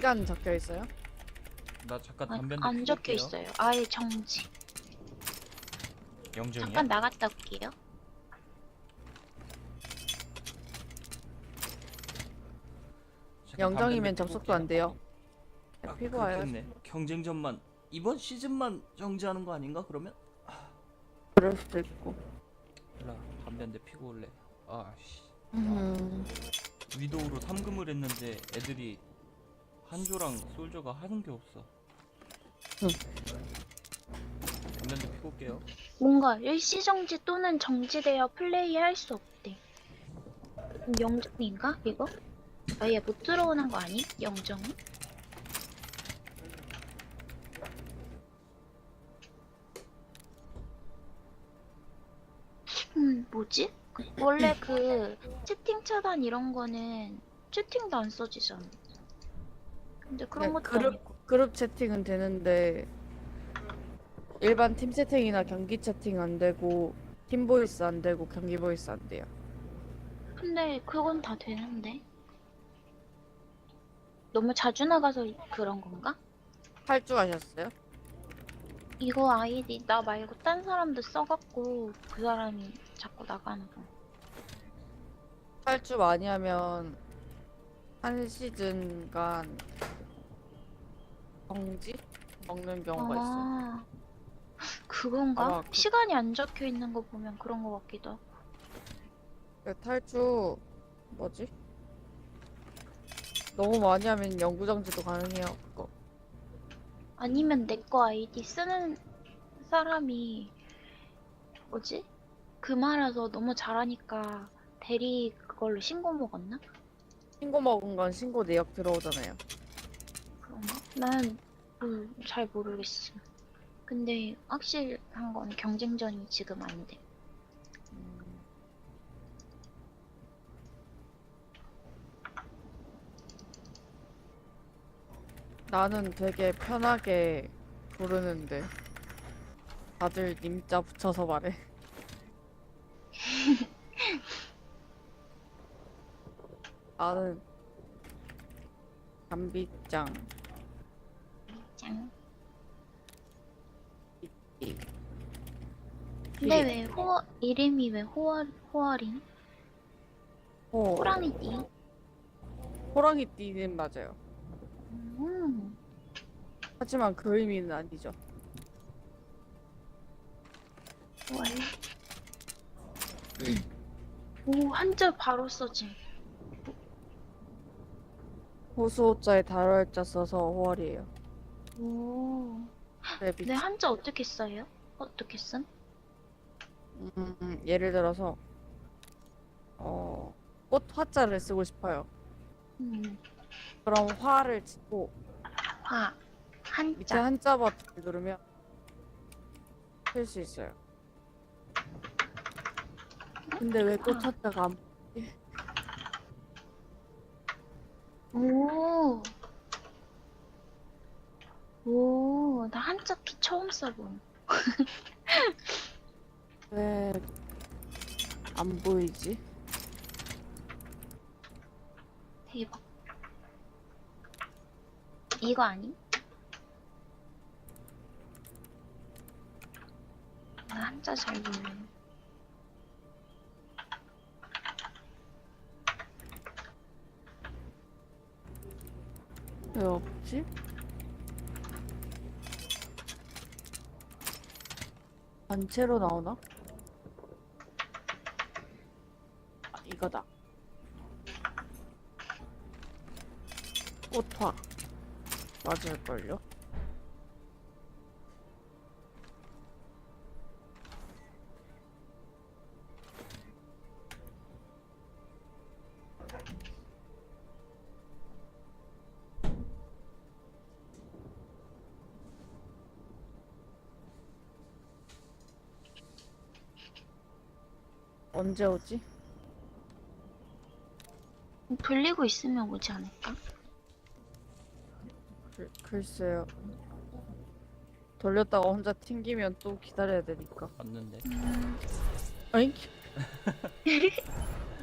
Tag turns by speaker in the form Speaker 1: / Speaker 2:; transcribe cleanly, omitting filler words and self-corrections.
Speaker 1: 시간 적혀 있어요?
Speaker 2: 나 잠깐 담배
Speaker 3: 안 적혀
Speaker 2: 피울게요.
Speaker 3: 있어요. 아예 정지.
Speaker 2: 영정이야?
Speaker 3: 잠깐 나갔다 올게요.
Speaker 2: 잠깐
Speaker 1: 영정이면
Speaker 2: 담배
Speaker 1: 접속도
Speaker 2: 피울게요.
Speaker 1: 안 돼요.
Speaker 2: 아,
Speaker 1: 피고 와요.
Speaker 2: 그렇겠네. 경쟁전만 이번 시즌만 정지하는 거 아닌가 그러면?
Speaker 1: 그럴 수도 있고.
Speaker 2: 몰라. 담배 한 대 피고 올래. 아씨.
Speaker 1: 음.
Speaker 2: 위도우로 3금을 했는데 애들이 한조랑 솔저가 하는 게 없어.
Speaker 1: 응.
Speaker 2: 담배 한 대 피고 올게요.
Speaker 3: 뭔가 일시 정지 또는 정지되어 플레이할 수 없대. 영정인가 이거? 아예 못 들어오는 거 아니? 영정이? 뭐지? 원래 그 채팅 차단 이런 거는 채팅도 안 써지잖아. 근데 그런 것도 아니고.
Speaker 1: 그룹 채팅은 되는데 일반 팀 채팅이나 경기 채팅 안 되고 팀 보이스 안 되고 경기 보이스 안 돼요.
Speaker 3: 근데 그건 다 되는데. 너무 자주 나가서 그런 건가?
Speaker 1: 탈주하셨어요?
Speaker 3: 이거 아이디 나 말고 딴 사람도 써갖고 그 사람이 자꾸 나가는 거.
Speaker 1: 탈주 많이 하면 한 시즌간 정지 먹는 경우가 있어요.
Speaker 3: 아, 그건가?
Speaker 1: 아마
Speaker 3: 시간이 안 적혀 있는 거 보면 그런 거 같기도 하고.
Speaker 1: 탈주 뭐지? 너무 많이 하면 영구 정지도 가능해요. 그거.
Speaker 3: 아니면 내 거 아이디 쓰는 사람이 뭐지? 그 말아서 너무 잘하니까 대리 그걸로 신고 먹었나?
Speaker 1: 신고 먹은 건 신고 내역 들어오잖아요.
Speaker 3: 그런가? 난 잘 모르겠어. 근데 확실한 건 경쟁전이 지금 안 돼.
Speaker 1: 나는 되게 편하게 부르는데 다들 님자 붙여서 말해. 나는 담비짱
Speaker 3: 짱.
Speaker 1: 이
Speaker 3: 근데 왜 이름이 왜 호아린? 호랑이띠?
Speaker 1: 호랑이띠는 맞아요.
Speaker 3: 음.
Speaker 1: 하지만 그 의미는 아니죠.
Speaker 3: 원래. 오, 한자 바로 써짐.
Speaker 1: 호수호자에 달월자 써서 5월이에요.
Speaker 3: 오.
Speaker 1: 네,
Speaker 3: 근데 한자 어떻게 써요? 어떻게 쓴?
Speaker 1: 예를 들어서 꽃 화자를 쓰고 싶어요. 그럼 화를 짓고
Speaker 3: 화.
Speaker 1: 밑에
Speaker 3: 한자.
Speaker 1: 한자 버튼을 누르면 쓸 수 있어요. 근데 왜 꽃 화자가 안
Speaker 3: 오. 오, 나 한자 키 처음 써봄.
Speaker 1: 왜 안 보이지?
Speaker 3: 대박. 이거 아니? 나 한자 잘 몰라.
Speaker 1: 왜 없지? 단체로 나오나? 아, 이거다. 꽃화 맞을걸요? 언제 오지?
Speaker 3: 돌리고 있으면 오지 않을까?
Speaker 1: 글쎄요. 돌렸다가 혼자 튕기면 또 기다려야 되니까.
Speaker 2: 맞는데.
Speaker 1: 어잉?